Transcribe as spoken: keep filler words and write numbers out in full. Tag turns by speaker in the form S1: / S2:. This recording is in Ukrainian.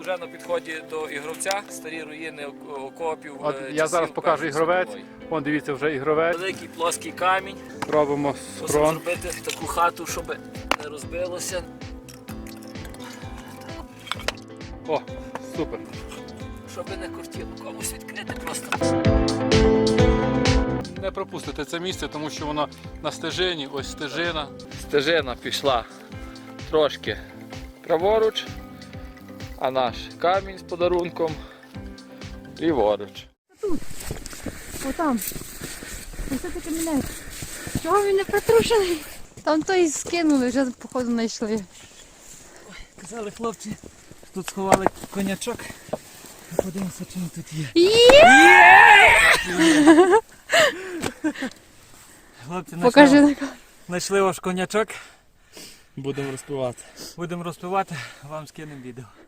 S1: вже на підході до Ігровця, старі руїни окопів.
S2: От
S1: е,
S2: я
S1: часів
S2: зараз покажу
S1: Першої
S2: ігровець.
S1: світової.
S2: Вон, дивіться, вже ігровець.
S1: Великий плоский камінь.
S2: Робимо
S1: Мусимо
S2: схрон.
S1: зробити таку хату, щоб не розбилося.
S2: О, супер.
S1: Щоб не кортіло комусь відкрити просто.
S2: Не пропустите це місце, тому що воно на стежині, ось стежина. Стежина пішла трошки праворуч, а наш камінь з подарунком ліворуч.
S3: Отам. Ось це таке мене. Чого він не притрушений? Там той скинули, вже походу знайшли.
S1: Казали хлопці, тут сховали конячок. Подивимося, чи він тут є. Хлопці,
S3: Покажи.
S1: знайшли ваш конячок.
S2: Будемо розпивати.
S1: Будемо розпивати, вам скинемо відео.